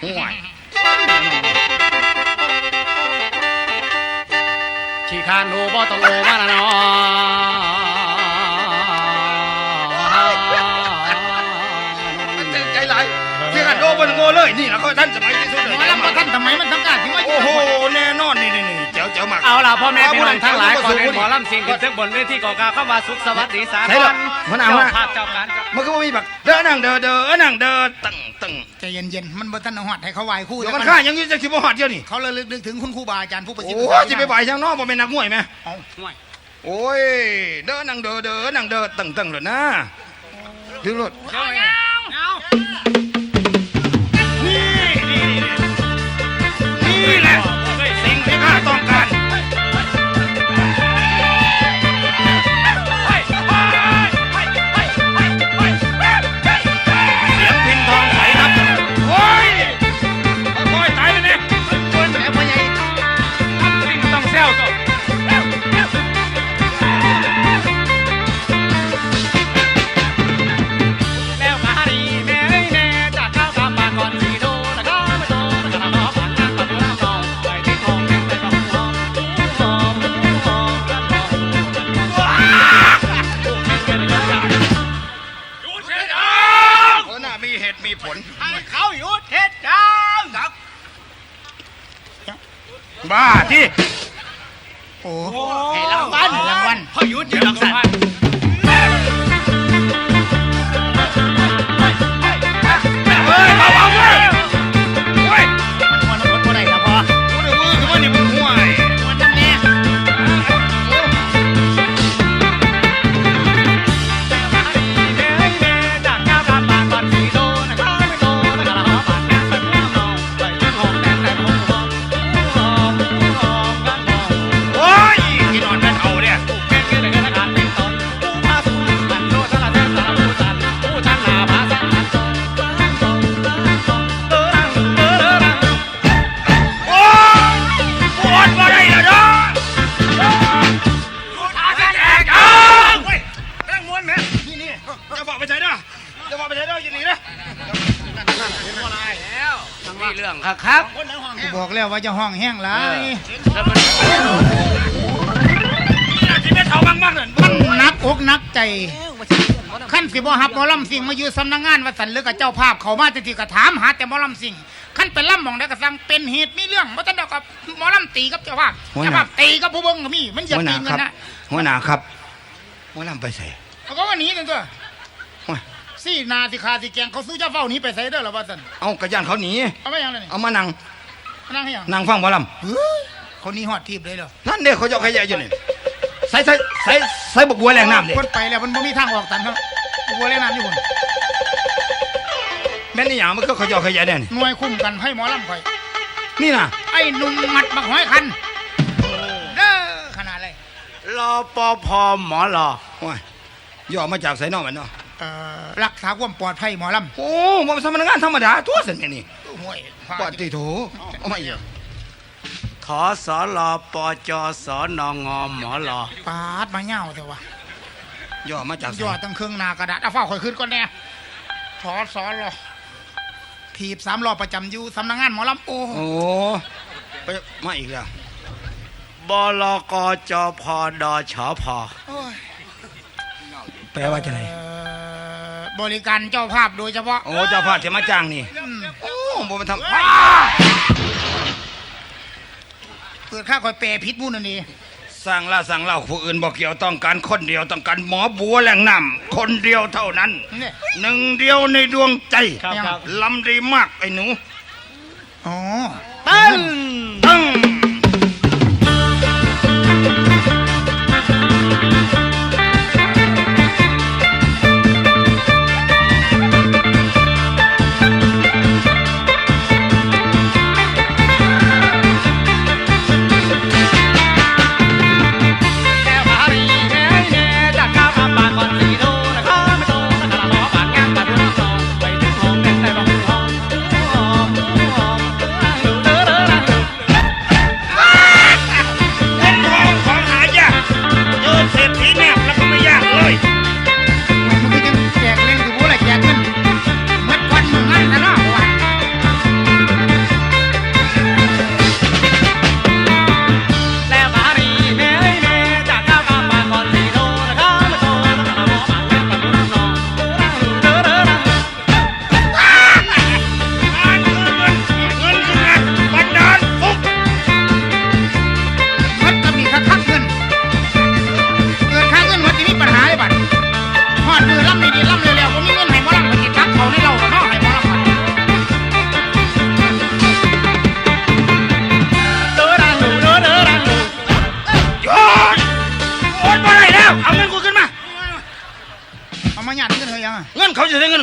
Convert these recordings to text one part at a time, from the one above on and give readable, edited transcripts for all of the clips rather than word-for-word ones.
ห่วยขี้คานโอบ่ต้องโอมาละเนาะใจไหลที่กันโดนโง่เลยนี่แหละเขาท่านสมัยที่สุดเลยหมอลำท่านทำไมมันทำการที่ว่าโอ้โหแน่นอนนี่เจ๋วมากเอาล่ะพ่อแม่พี่น้องทั้งหลายก่อนเป็นหมอลำสิ่งขึ้นถึงบนเวทีก่อการเข้ามาสุขสวัสดีสากลเจ้าภาพเจ้าการมันก็มีแบบเดินนั่งเดินนั่งเดินตึงใจเย็นๆมันบ่ทันหอดให้เขาไหวคู่เดี๋ยวมันฆ่ายังยืนจะคิดว่าหอดเดียวนี่เขาเลยนึกถึงคุณครูบาอาจารย์ผู้ประสิทธิ์โอ้จะไปบ่ายช่างนอกบ่เป็นนักมวยไหมโอ้ยเดินนั่งเดินนั่งเดินตึงเลยนะถึงรถนี่แหละสิ่งที่ข้าต้องการเสียงพินทองใสนับโอ้ยค่อยตายไปเนี่ยคนแม่พ่อใหญ่สิ่งต้องเซลก็แล้วกะดีแม่แม่จากข้าวกำปานก่อนสีโดแล้วก็ไม่โดแล้วก็น้องผ่านงานประตูน้ำทองไปที่ทองแดงไปกับหอมกันน่ามีเหตุมีผลให้เขาหยุดเหตุการณ์ครับบ้าที่โอ้ให้รางวัลเขาหยุดอยู่หลังสันเฮ้ยเบาๆเลยเฮ้ยมันรถบ่ได้ครับพ่อกูเดือดมือคือว่านี่มึงห่วยมันนั่นแน่จากข้าวกำปานก่อนสีโดนะครับไม่โดแล้วก็น้องผ่านงานประตูน้ำทองไปที่ทองแดงไปกับหอมกันหอมโอ้ยที่นอนแม่เฒ่าเนี่ยแค่คือแต่เงินขาดเป็นตนผู้พาสู่มันโลดสารเส้นสารผู้จันผู้ชันหาพาสันตนโอ้ยปวดมาได้แล้วเนาะขาจะแตกอ่ะเฮ้ยแม่งม้วนแม่นี่จะบอกไปใช้เด้อจะบอกไปใช้เด้ออย่าหนีนะมีเรื่องครับบอกแล้วว่าจะห้องแห้งหลายที่แม่เฒ่ามากๆนั่นมันหนักอกหนักใจขั้นสิบ่ฮับหมอลำสิ่งมาอยู่สำนักงานวัดสันหรือกับเจ้าภาพเขามาที่ก็ถามหาแต่หมอลำสิ่งขั้นเป็นล่ำมองได้ก็สั่งเป็นเหตุมีเรื่องบ่ทันดอกกับหมอลำตีกับเจ้าภาพตีกับผู้เบิ่งก็มีมันอย่าตีกันนะหัวหน้าครับหัวหน้าไปใส่เขาก็ว่าหนีกันตัวสี่นาสิคาสิแกงเขาสู้เจ้าเฝ้าหนีไปใส่เด้อหรอว่าสันเอากระยานเขาหนีเอาไม่ยังเลยเอามานั่งนั่งให้ยังนั่งฟังหมอลคนนี้หอดทีบเลยเหรอำนั่นเด็กเขาจะขยะอยู่นี่ใส่บกบัวแรงน้ำเด็กคนไปแล้วมันไม่มีทางออกตันเขาบัวเล่นน้ำอยู่คนแม่นี่อย่างมันก็เขาจะขยะแน่นี่หน่วยคุ้มกันให้หมอลำคอยนี่นะไอ้หนุ่มหมัดบักหอยคันเด้อขนาดเลยรอปภหมอรอโอ้ยย่อมาจากไสนอกมันเนาะรักษาความปลอดภัยหมอลำโอ้มันเป็นพนักงานธรรมดาตัวเส้นนี่ห่วยปอดตีโถเอามาอีกทสรปจสนงหมอรอปาดมาเง่าแต่ว่าย่อมาจากไสยอดตั้งเครื่องหนากระดาษเอาฝ้าข่อยขึ้นก่อนแน่ถอสอรอถีบ3 รอบประจำอยู่สำนักงานหมอลำโอ้โอ้ไปมาอีกแล้วบลกจพดชพแปลว่าจะไหนบริการเจ้าภาพโดยเฉพาะโอ้เจ้าภาพจะมาจ้างนี่โอ้บ่มันทำเปิดค่าคอยแปรพิษมูนั่นนี่สั่งเล่าผู้อื่นบอกเกี่ยวต้องการคนเดียวต้องการหมอบัวแหล่งน้ำคนเดียวเท่านั้นนี่หนึ่งเดียวในดวงใจครับลำดีมากไอ้หนูอ๋อตึ้งตึ้ง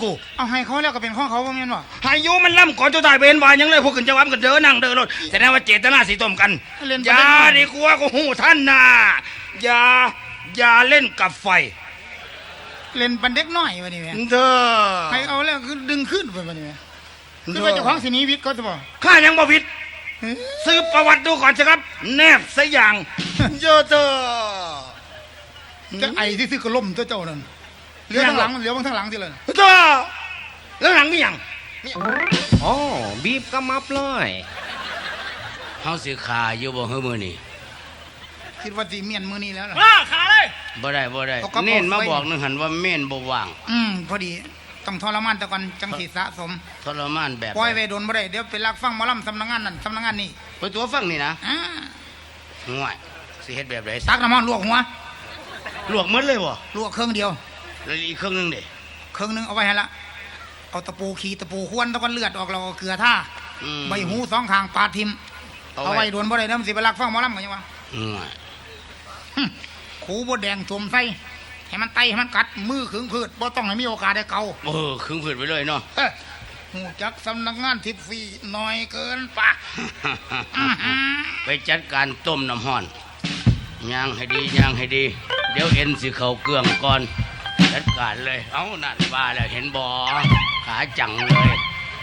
กูเอาให้เขาแล้วก็เป็นของเขาบ่แม่นบ่หายุมันล่ำก่อนจะตายเป็นวายังเลยพวกขึ้นจะวับกันเดินนั่งเดินรถแสดงว่าเจตนาสีต้มกันอย่าดีกว่าก็หูท่านนะอย่าเล่นกับไฟเล่นปันเด็กน้อยบัดนี้แม่เธอให้เอาแล้วคือดึงขึ้นไปบัดนี้แม่คือว่าเจ้าของสิหนีวิทย์เขาจะบ่ข้ายังบ่ผิดซื้อประวัติดูก่อนสิครับแนบซะอย่างเยอะเธอจะไอ้ที่ซื้อก็ล่มเจ้านั่นเหลียวทางหลังเหลียวบางทางหลังสิเลยเธอแล้วหลังมีหยังอ๋อบีบกระมับเลยเฮาสิขาอยู่บ่เฮ้อมื้อนี้คิดว่าสิเมียนมื้อนี้แล้วล่ะขาเลยบ่ได้เน้นมาบอกนึงหันว่าเม่นบ่ว่างพอดีต้องทรมานแต่ก่อนจังสิสะสมทรมานแบบปล่อยไว้โดนบ่ได้เดี๋ยวไปลักฟังหมอลำสำนักงานนั่นสำนักงานนี่ไปตัวฟังนี่นะอ่าห่วยสิเฮ็ดแบบไหนตักน้ำมันลวกหัวลวกหมดเลยบ่ลวกเครื่องเดียวแล้วอีกเครื่องนึงเด้เครื่องนึงเอาไว้ให้ละเอาตะปูขีตะปูควนตะกอนเลือดออกเราเกลือท่าใบหูสองข้างปาดทิมเอาไว้โดนบ่ได้เดี๋ยวมันสิไปลักฟังหมอลำกันยังวะห่วยขูบดแดงสวมใส่ให้มันไตให้มันกัดมือขึงพืชบ่ต้องให้มีโอกาสได้เกาครึ่งผืนไปเลยเนาะหูจักสำนักงานทิพย์ฟรีน้อยเกินปะไปจัดการต้มน้ำห้อนย่างให้ดีเดี๋ยวเอ็นสิเข้าเกลืองก่อนจัดการเลยเอ้านั่นว่าแล้วเห็นบ่ขาจังเลย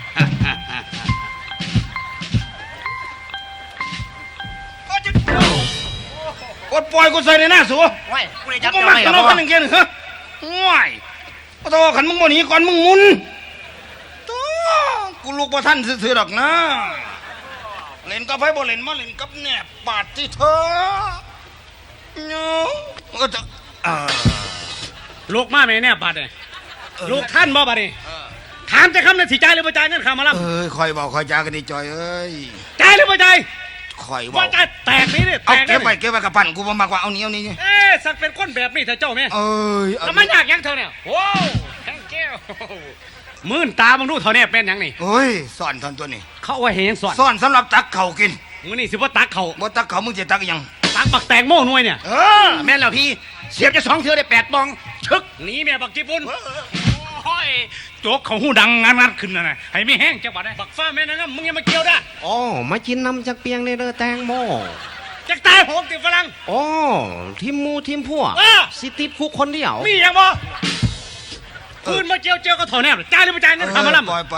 กดปล่อยกูใส่ในหน้าสัวว้ายกูได้กูจับบ่เจ้ามักไม่ตกับลกพ่อกันอย่างเงี้ยเหรอว้ายโอ้โหขันมึงบ่หนีก่อนมึงหมุนตัวกูลูกบ่ทันซื่อๆดอกนะเล่นกับไผบ่เล่นมาเล่นกับแหนบปาดที่เธอเนาะก็จะลูกมาแม่เนี่ยบาดเนี่ยลูกท่านบ่บาดนี่ถามจะคำนั้นสิจ่ายหรือบ่จ่ายเงินข้ามารับคอยบอกคอยจากันดีจอยเอ้ยจ่ายหรือบ่จ่ายคอยบอว่าก จ่ายแตกนี่ดิแตเอากเก็บไว้กับปั่นกูบ่มักว่าเอานี้เอ๊ะสักเป็นคนแบบนี้เธอเจ้าแม่เอ้ยแล้วมันยากยังเธอเนี่ยโว้วแทงแก้วมื่นตาบังดูเท่านี้เป็นยังนี่เฮ้ยสอนทอนตัวนี้เขาเอาไว้เห็นสอนสอนสำหรับตักเข่ากินมื้อนี้สิบ่ตักเขาบ่ตักเข่ามึงจะตักอีหยังตักบักแตงโม่หน่วยเนี่ยแม่นแล้วพี่เสียบจะ2เทื่อได้8บองชึกหนีแม่บักญี่ปุ่นโอ้ยโจกเขาหูดังงัดขึ้นนะให้ไม่แห้งจังหวัดบักฟ้าแม่นะครับมึงอย่ามาเกี่ยวได้อ๋อมากินน้ำจากเปียงในเรือแตงโมจักตายผมติดฝรั่งอ๋อทีมหมูทีมพวกเออสิติดคุกคนเดียวมีอย่างบ่คืนมาเจียวก็ถอนแนบจ่ายหรือไม่จ่ายเงินคำมาล่ำปล่อย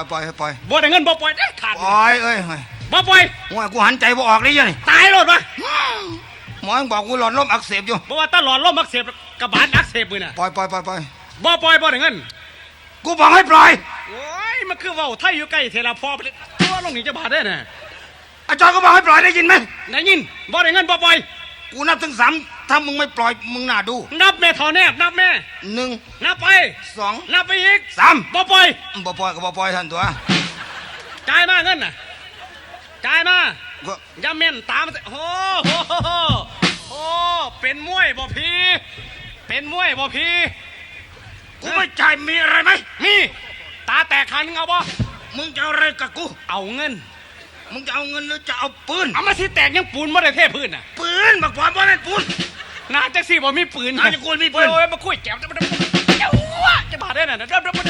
บ่ได้เงินบ่ปล่อยได้ขาดปล่อยเอ้ยบ่ปล่อยว่ากูหันใจบ่ออกเลยยังนี่ตายรถวะหมอยังบอกกูหลอดลมอักเสบอยู่บ่ว่าตลอดลมอักเสบกระบาดอักเสบมือน่ะปล่อยบ่ปล่อยได้เงินกูบอกให้ปล่อยโอ้ยมันคือเว่าไทยอยู่ใกล้เทลาพอไปเลยตัวลงนี่จะบาดได้น่ะอาจารย์ก็บอกให้ปล่อยได้ยินไหมได้ยินบ่ได้เงินบ่ปล่อยกูนับถึง3ถ้ามึงไม่ปล่อยมึงน่าดูนับแม่ถอนแนบนับแม่ 1 นับไป 2 นับไปอีก 3 บ่ปล่อยบ่ปล่อยก็บ่ปล่อยท่านตัวจ่ายมาเงินน่ะจ่ายมาก็อย่าแม่นตามมาสิโอ้โหโอ้เป็นมวยบ่พี่เป็นมวยบ่พี่กูไม่จ่ายมีอะไรไหมมีตาแตกขันงเอาบ่มึงจะเอาอะไรกับกูเอาเงินมึงจะเอาเงินหรือจะเอาปืนเอามาสิแตกยังปูนบ่ได้เทพื้นน่ะปืนบักความว่าเป็นปืนน่าจักสิบ่มีปืนน่าจะกลัวมีปืนโอ้ยมาคุยแก้วจะบาดได้น่ะ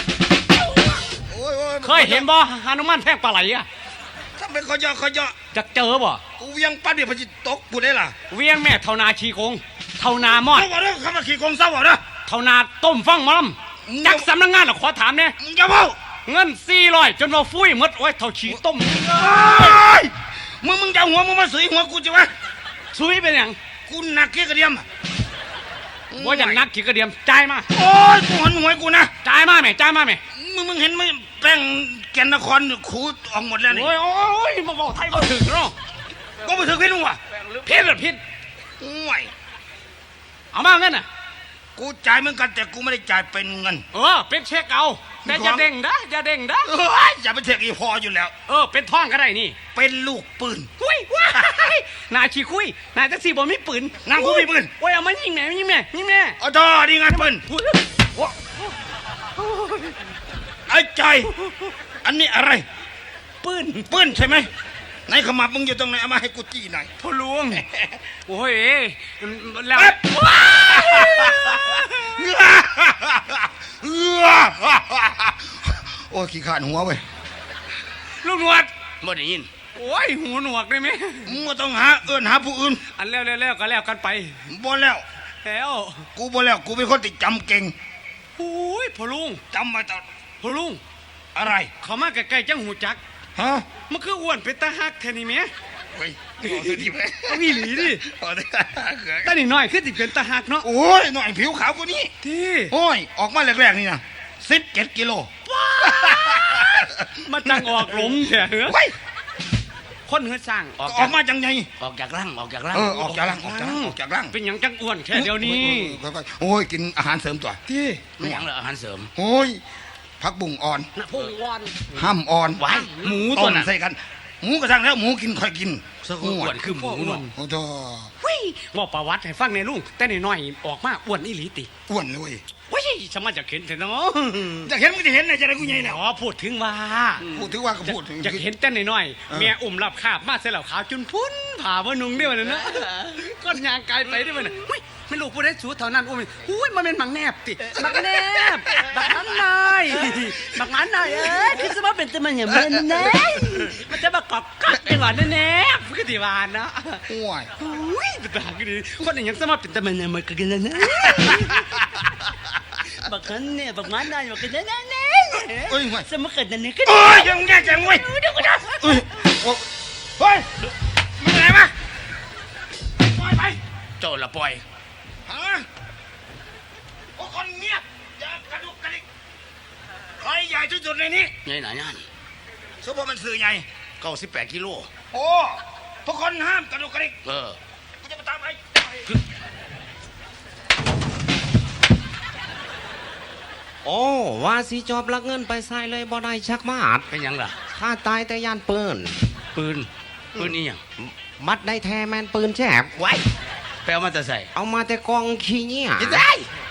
เคยเห็นบ่ฮานุมานแทงปลาไหลอ่ะถ้าเป็นขอยอจักเจอบ่กูเวียงปั้นเดี๋ยวพจิตกกูได้ล่ะเวียงแม่เท่านาชีโกงเท่านามอดเศร้าบ่เด้อคำว่าขี่กงเศร้าบ่เด้อเท่านาต้มฟังหมอลำจักสำนักงานน่ะขอถามแน่มึงจะเมาเงิน400จนว่าฟุ้ยหมดโอ้ยเท่าฉีต้มมึงจะเอาหัวมึงมาสุยหัวกูจะวะซุยเป็นหยังกูหนักเกี้ยกระเดียมบ่อย่างนักขี้กระเดียมจ่ายมาโอ้ยกูหันหัวกูนะจ่ายมาแม่จ่ายมาแม่มึงเห็นไหมแป้งแกนนครขูดออกหมดแล้วนี่โอ้ยโอ้ยมาบอกไทยบ่ถึงเนาะก็ไปถึงพี่นุ่งวะผิดหรือผิดห่วยเอามาเงินน่ะกูจ่ายเหมือนกันแต่กูไม่ได้จ่ายเป็นเงินเป็นเช็คเอาแต่อย่าเด้งนะอย่าเด้งนะอย่าไปเถียงอีพออยู่แล้วเป็นท่องก็ได้นี่เป็นลูกปืนหุยว้ายนายขี้คุยนายจักสิบ่มีปืนนางกูมีปืนโอ้ยเอามายิงแม่ยิงแม่ยิงแม่อ๋อดอดีไงปืนไอ้ใจอันนี้อะไรปืนปืนใช่ไหมไหนขมับมึงอยู่ตรงไหนเอามาให้กูจี้หน่อยพ่อหลวงโอ้ยแล้วเอ้ยโอ้ยขี้ขาดหัวเว้ยลูกหนวดบ่ได้ยินโอ้ยหูหนวกได้ไหมมึงบ่ต้องหาเอิ้นหาผู้อื่นอันแล้วก็แล้วกันไปบ่แล้วแล้วกูบ่แล้วกูเป็นคนที่จำเก่งโอ้ยพ่อลุงจำไว้ตลอดพ่อลุงอะไรเขามาใกล้ๆจังหูจักฮะมันคืออ้วนเป็นตาฮักแท้นี่แหมเฮ้ยเอาเถอะดิแม่เอาอีหลีดิเอาเถอะตานี่น้อยคือสิเป็นตาฮักเนาะโอ้ยหน่อยผิวขาวกว่านี้ที่โอ้ยออกมาแรกๆนี่นะ17 กิโลมาจังออกหลงแท้เหรอเว้ยคนเฮือสร้างออกออกมาจังไงออกจากร่างออกจากร่างเออออกจากร่างออกจากร่างออกจากร่างเป็นหยังจังอ้วนแค่เดียวนี้ค่อยๆโอ้ยกินอาหารเสริมตัวที่ไม่หยังเลยอาหารเสริมโอ้ยผักบุ้งอ่อนนะพุ่งวอนห้ามอ่อนไว้หมูต้ตัวมน่ะใส่กันหมูกระทั่งแล้วหมูกินค่อยกินสกุลอ้วนคือหมูเนาะโอ้โหว่าประวัติให้ฟังในลุงแต่นี่น้อยออกมาอ้วนอีหลีติอ้วนเลยเว้ยว้ยสมาจะเห็นเถอะเนาะจะเห็นมึงจะเห็นไหนจะได้กูใหญ่แล้วอ๋อพูดถึงว่าพูดถึงว่าก็พูดถึงจะเห็นแต่น้อยเออๆแม่อุ้มรับคาบมาเสร็จแล้วขาวจุนพุ่นผ่าว่านุ่งได้วันนั้นนะก้อนยางกายไปได้วันนั้นอุ้ยไม่รู้ผู้ใดสูเท่านั้นอุ้ยอุ้ยมันเป็นหมังแนบติหมังแนบบักนั้นนายบักนั้นนายเอ้ยคือสมาเป็นตัวมันอย่างมันแน่มันจะมากอกกักไอ้หวานแน่ๆคือที่หวานนะโอ้ยอุ้ยเป็นตาก็ดีคนอย่างสมาเป็นตัวมันอย่างมันก็กันนะบักนั้นเนี่ยบักนั้นนายบักนั้นแน่เอ้ยห่วยสมาเกิดนั่นนี่ก็เอ้ยยังแย่จังเว้ยเอ้ยโอ้เฮ้ยมึงไหนมาปล่อยไปโจรละปล่อยฮะโอ้คนเงียบอย่ากระดุกกระดิกใครใหญ่ที่สุดในนี้ใหญ่หนาย่านสมมติมันสื่อใหญ่ 98 กิโลโอ้ทุกคนห้ามกระดุกกระดิกเออกูจะมาตามไปโอ้ว่าสิจอบลักเงินไปใส่เลยบ่ได้ชักมาดเป็นหยังล่ะข้าตายแต่ย่านปืนปืนอีหยังมัดได้แท้แมนปืนแฉบไว้ไปเอามาแต่ใส่เอามาแต่กองขี้เงี้ยจะได้